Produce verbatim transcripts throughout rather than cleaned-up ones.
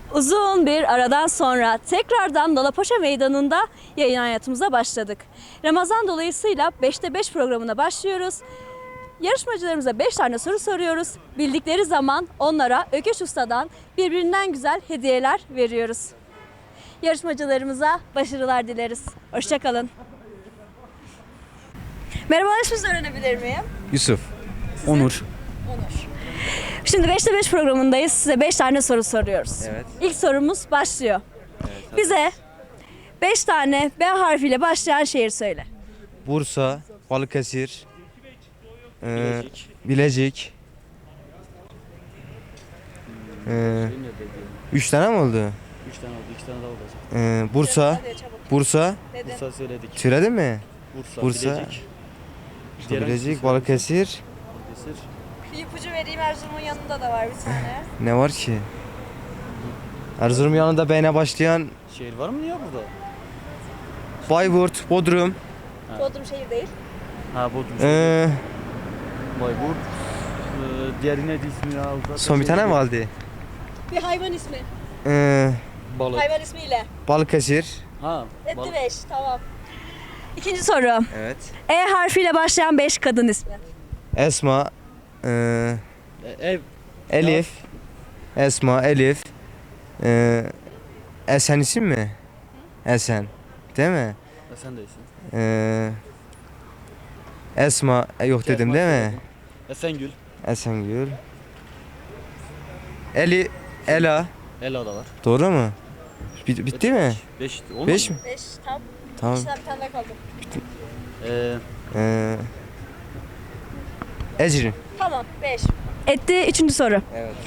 Uzun bir aradan sonra tekrardan Dalapaşa Meydanı'nda yayın hayatımıza başladık. Ramazan dolayısıyla beşte beş programına başlıyoruz. Yarışmacılarımıza beş tane soru soruyoruz. Bildikleri zaman onlara Ökeş Usta'dan birbirinden güzel hediyeler veriyoruz. Yarışmacılarımıza başarılar dileriz. Hoşça kalın. Merhabalar, isminizi öğrenebilir miyim? Yusuf. Onur. Onur. Şimdi beşte beş programındayız. Size beş tane soru soruyoruz. Evet. İlk sorumuz başlıyor. Evet, Bize beş tane B harfiyle başlayan şehir söyle. Bursa, Balıkesir, e, Bilecik. E, üç tane mi oldu? Üç tane oldu, iki tane daha olacak. E, Bursa, Bursa. Bursa söyledik. Söyledin mi? Bursa, Bursa. Bilecik. Bursa, Diğer hangisi Bilecik, söyledin? Balıkesir. Balıkesir. Bir ipucu vereyim, Erzurum'un yanında da var bir tane. Ne var ki? Erzurum yanında B'ne başlayan Şehir var mı ya burada? Bayburt, Bodrum. Bodrum şehir değil. Ha Bodrum. E, Bayburt. Ee, diğeri neydi ismi ya? Zaten son bir tane mi söyledik. Bir hayvan ismi. E, Balık. Hayvan ismiyle. Balıkesir. Ha. Etti Balık. beş, tamam. İkinci soru. Evet. E harfiyle başlayan beş kadın ismi. Esma, e, E, ev. Elif, Esma, Elif, e, Esen isim mi? Esen, değil mi? Ha, sen değilsin. E, Esma, e, yok dedim değil mi? Esengül. Esengül. Eli, Ela, Ela da var. doğru mu? Bit- bitti mi? Beş. Olmadı Beş mı? mi? Beş, tam. Tamam. İşte bir tane daha kaldı. Ee, E, Ecrin. Tamam, beş. Etti üçüncü soru. Evet.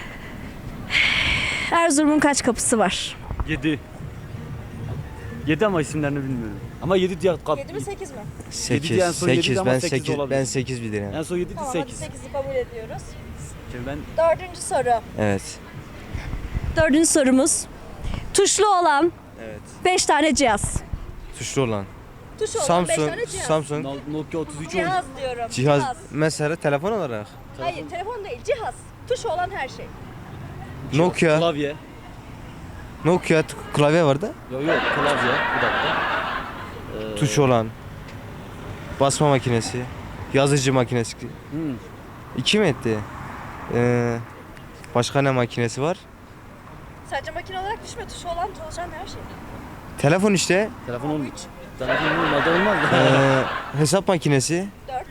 Erzurum'un kaç kapısı var? yedi. Yedi ama isimlerini bilmiyorum. Ama yedi diye kap. Yedi mi sekiz mi? sekiz, diye en son yediydi sekiz, ama ben sekiz sekiz, olabilir. ben sekiz bilirim. En son yedi Tamam, hadi sekiz. sekizi kabul ediyoruz. Şimdi ben Dördüncü soru. Evet. Dördüncü sorumuz. Tuşlu olan Evet. beş tane cihaz. Tuşlu olan. Tuşlu olan beş Samsung, tane cihaz. Samsung. No- Nokia otuz üç oldu. Cihaz diyorum. Cihaz, mesela telefon olarak. Hayır, telefon değil, cihaz. Tuşu olan her şey. Nokia, Klavye. Nokia t- klavye vardı. Yok yok klavye. Bir dakika. Ee, Tuş olan. Basma makinesi. Yazıcı makinesi. Hmm. İki mi etti? Ee, başka ne makinesi var? Sadece makine olarak düşme, tuşu olan çalışan her şey. Telefon işte. Telefon olmuyor. Telefon olmadı olmaz. Ee, hesap makinesi. Dört.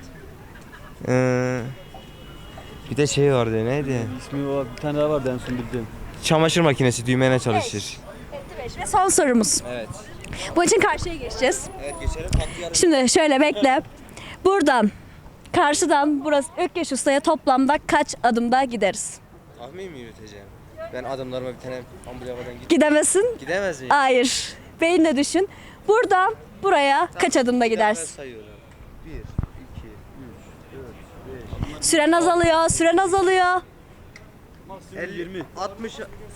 Ee, bir de şey vardı neydi? İsmi var. Bir tane daha vardı en son bildiğim. Çamaşır makinesi düğmeyle çalışır. Etti beş. Ve son sorumuz. Evet. Bu için karşıya geçeceğiz. Evet geçelim. Tatlı yarış. Şimdi şöyle bekle. Buradan, karşıdan burası Ökkeş Usta'ya toplamda kaç adımda gideriz? Tahmin mi yürüteceğim? Ben adımlarıma bir tane ambulavadan git. Gidemezsin. Gidemez miyim? Hayır. Beyinle düşün. Buradan buraya kaç adımda gidersin? sayıyorum. bir, iki, üç, dört, beş, Süren azalıyor, süren azalıyor. Maksimum yirmi. altmış,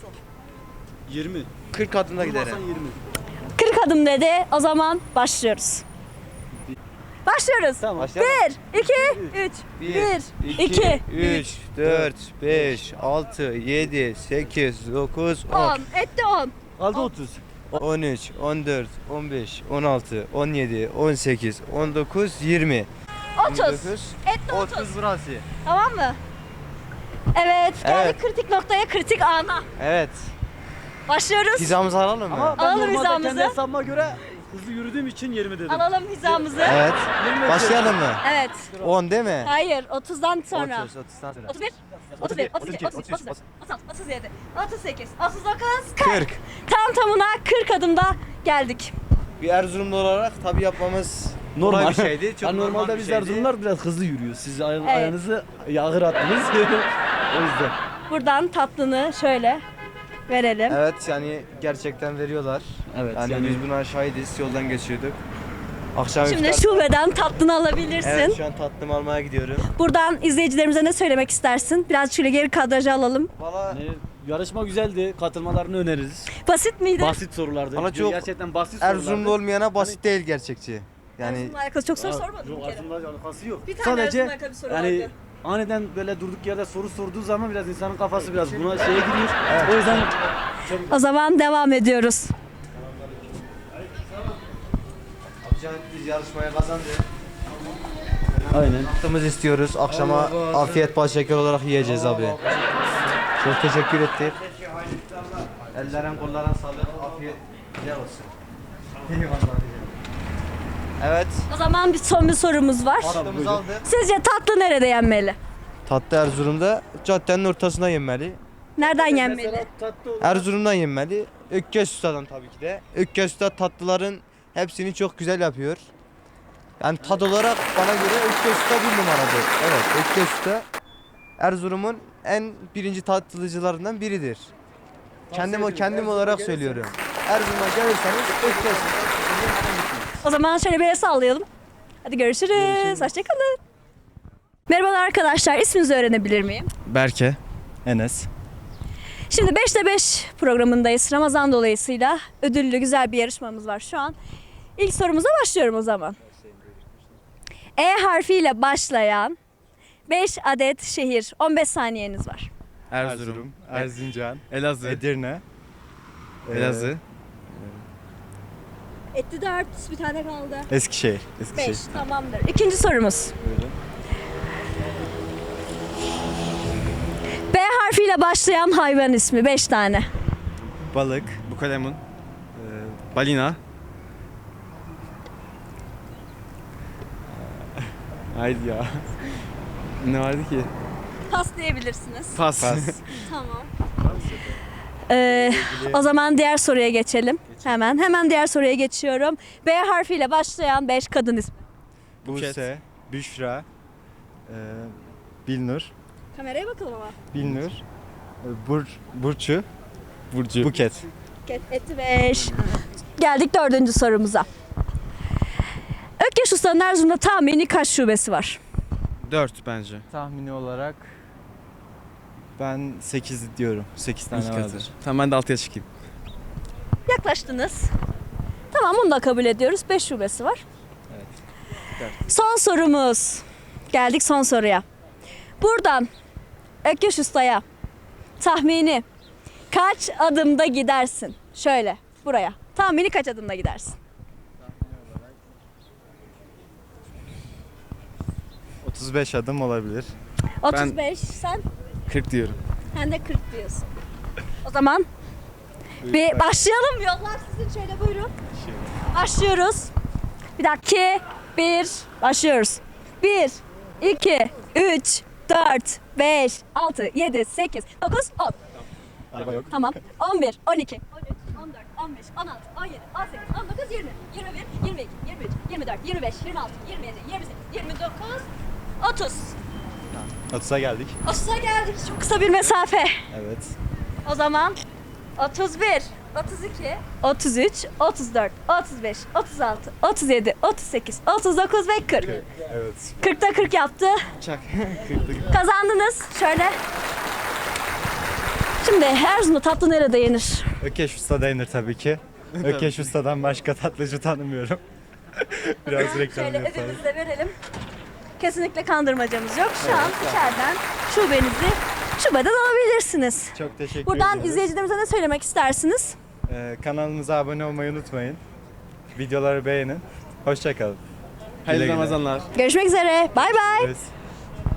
yirmi. kırk adımda giderim. yirmi. kırk adım dedi. O zaman başlıyoruz. Başlıyoruz. Tamam. Başlayalım. bir, iki, üç. bir, iki, üç, dört, beş, altı, yedi, sekiz, dokuz, on. on. Etti on. Aldı otuz. on üç, on dört, on beş, on altı, on yedi, on sekiz, on dokuz, yirmi. otuz. Etti otuz. otuz burası. Tamam mı? Evet. Geldik Evet. kritik noktaya, kritik ana. Evet. Başlıyoruz. Hizamızı alalım mı? Ama ben Alalım normalde hizamızı. kendi hesabıma göre hızlı yürüdüğüm için yirmi dedim. Alalım hizamızı. Evet. yirmi Başlayalım mı? Evet. on değil mi? Hayır, otuzdan sonra. otuz, otuzdan sonra. otuz bir, otuz bir, otuz iki, otuz üç, otuz dört, otuz altı, otuz yedi, otuz sekiz, otuz dokuz, kırk. kırk. Tam tamına kırk adımda geldik. Bir Erzurumlu olarak tabi yapmamız Normal kolay bir şeydi. Çok Yani normal normalde bir biz şeydi. Erzurumlar biraz hızlı yürüyor. Siz ay- Evet. ayağınızı yağır attınız. O yüzden. Buradan tatlını şöyle verelim. Evet yani gerçekten veriyorlar. Evet, Yani, yani- biz buna şahidiz. Yoldan geçiyorduk. Akşam Şimdi iftar- şubeden tatlını alabilirsin. Evet şu an tatlım almaya gidiyorum. Buradan izleyicilerimize ne söylemek istersin? Biraz şöyle geri kadrajı alalım. Valla Yani yarışma güzeldi. Katılmalarını öneririz. Basit miydi? Basit sorulardı. Bana çok Gerçekten basit Erzurumlu sorulardı. olmayana basit değil gerçekçi. Yani Erzurum'la alakalı çok soru Aa, sormadım yok, bir kere. Erzurum'la alakası yok. Bir tane Sadece Erzurum'la alakalı bir soru yani vardı. aniden böyle durduk yerde soru sorduğu zaman biraz insanın kafası biraz buna şeye giriyor. O yüzden O zaman devam ediyoruz. Abican biz yarışmaya kazandık. aynen. Yaptığımız istiyoruz. Akşama afiyet bal şeker olarak yiyeceğiz abi. Çok teşekkür ettik. Ellerin kolların sağlık, afiyet güzel olsun. Evet. O zaman bir son bir sorumuz var. Tatlımızı aldık. Sizce tatlı nerede yenmeli? Tatlı Erzurum'da caddenin ortasına yenmeli. Nereden yenmeli? Erzurum'dan yenmeli. Ökkeş Usta'dan tabii ki de. Ökkeş Usta tatlıların hepsini çok güzel yapıyor. Yani tad olarak bana göre Ökkeş Usta bir numaradır. Evet, Ökkeş Usta Erzurum'un en birinci tatlıcılarından biridir. Kendim o kendim olarak söylüyorum. Erzurum'a gelirseniz Ökkeş Usta. O zaman şöyle bir el sallayalım. Hadi görüşürüz. Hoşçakalın. Merhabalar arkadaşlar. İsminizi öğrenebilir miyim? Berke, Enes. Şimdi beşte beş programındayız. Ramazan dolayısıyla ödüllü güzel bir yarışmamız var şu an. İlk sorumuza başlıyorum o zaman. E harfiyle başlayan beş adet şehir. on beş saniyeniz var. Erzurum, Erzincan, Elazığ. Edirne, Elazığ, Etti dört, bir tane kaldı. Eskişehir. beş, tamamdır. İkinci sorumuz. B harfiyle başlayan hayvan ismi. beş tane. Balık, bukalemun, e, balina. Haydi ya. Ne vardı ki? Pas diyebilirsiniz. Pas. Tamam. Ee, o zaman diğer soruya geçelim. Hemen. Hemen diğer soruya geçiyorum. B harfiyle başlayan beş kadın ismi. Buse, Büşra, e, Bilnur, Kameraya bakalım ama. Bilnur, e, Bur, Burçu, Burcu, Buket. Etti beş. Geldik dördüncü sorumuza. Ökkeş Usta'nın Erzurum'da tahmini kaç şubesi var? dört bence. Tahmini olarak ben sekiz diyorum. sekiz tane vardır. Tamam ben de altıya çıkayım. Yaklaştınız. Tamam, bunu da kabul ediyoruz. beş şubesi var. Evet. Son sorumuz. Geldik son soruya. Buradan Ökkeş Usta'ya tahmini kaç adımda gidersin? Şöyle buraya. Tahmini kaç adımda gidersin? otuz beş adım olabilir. otuz beş, sen? kırk diyorum. Sen de kırk diyorsun. O zaman bir başlayalım. Yollar sizin, şöyle buyurun. Başlıyoruz. Bir dakika. iki, bir, başlıyoruz. bir, iki, üç, dört, beş, altı, yedi, sekiz, dokuz, on. Araba yok. Tamam. on bir, on iki, on üç, on dört, on beş, on altı, on yedi, on sekiz, on dokuz, yirmi, yirmi bir, yirmi iki, yirmi üç, yirmi dört, yirmi beş, yirmi altı, yirmi yedi, yirmi sekiz, yirmi dokuz, otuz. otuza geldik. otuza geldik. Çok kısa bir mesafe. Evet. O zaman otuz bir, otuz iki, otuz üç, otuz dört, otuz beş, otuz altı, otuz yedi, otuz sekiz, otuz dokuz ve kırk. Evet. kırkta kırk yaptı. Çak. kırk. Kazandınız. Şöyle. Şimdi Erzurum'da tatlı nerede yenir? Ökeş Usta denir tabii ki. Ökeş Usta'dan başka tatlıcı tanımıyorum. Biraz reklam Şöyle yapalım. ödülümüzü de verelim. Kesinlikle kandırmacamız yok. Şu an içeriden şubenizi şubeden alabilirsiniz. Çok teşekkür Buradan ediyoruz. izleyicilerimize ne söylemek istersiniz? Ee, kanalımıza abone olmayı unutmayın. Videoları beğenin. Hoşça kalın. Hayırlı Güle güle. Ramazanlar. Görüşmek üzere. Bay bay. Evet.